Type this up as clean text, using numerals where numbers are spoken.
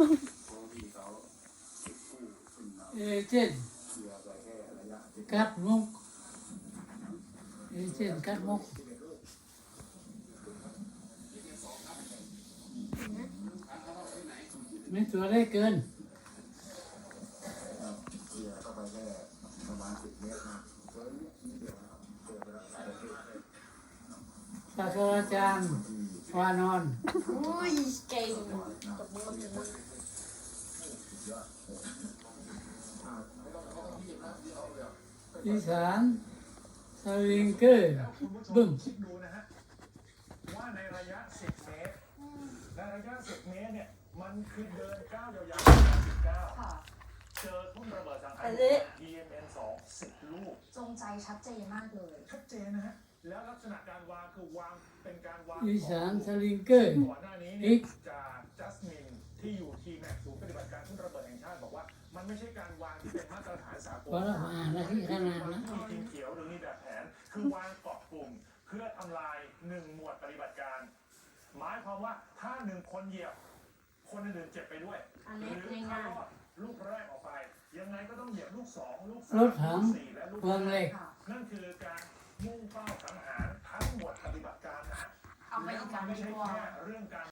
เอเจนต์กัดมุกเอเจนต์กัดมุกไม่ตัวได้เกินศาสตราจารย์วานอนอุ้ยเก่งตบมือถึงอีสานสลิงเกอร์บึ้มคิดดูนะฮะว่าในระยะ 10 เมตรในระยะ 10 เมตรเนี่ยมันคือเดินก้าวยาวๆ19 ค่ะเจอทุ่นระเบิดสังหาร EMN 2 10 ลูกจงใจชัดเจนมากเลยชัดเจนนะฮะแล้วลักษณะการวางคือวางเป็นการวางอีสานสลิงเกอร์ก่อนหน้านี้เนี่ยจากจัสมินที่อยู่ทีแม็กศูนย์ปฏิบัติการทุ่นระเบิดแห่งชาติบอกว่ามันไม่ใช่การวางที่เป็นมาตรฐานสากลพอแล้วอ่านแล้วที่ขนาดนะมีทีมเขียวหรือมีแบบแผนคือวางเกาะกลุ่มเพื่อทำลาย1 หมวดปฏิบัติการ หมายความว่าถ้า1 คนเหยียบคนอื่นๆเจ็บไปด้วยอันนี้หรือง่ายถ้ารอดลูกแรกออกไป ยังไงก็ต้องเหยียบลูก 2 ลูกรถ 3 ถังลูก 4 และลูกวางเหล็กค่ะนั่นคือการมุ่งเป้าสังหารทั้งหมวดปฏิบัติการนะเอาไปอีกการไม่ไม่ใช่ตัวแค่เรื่องการ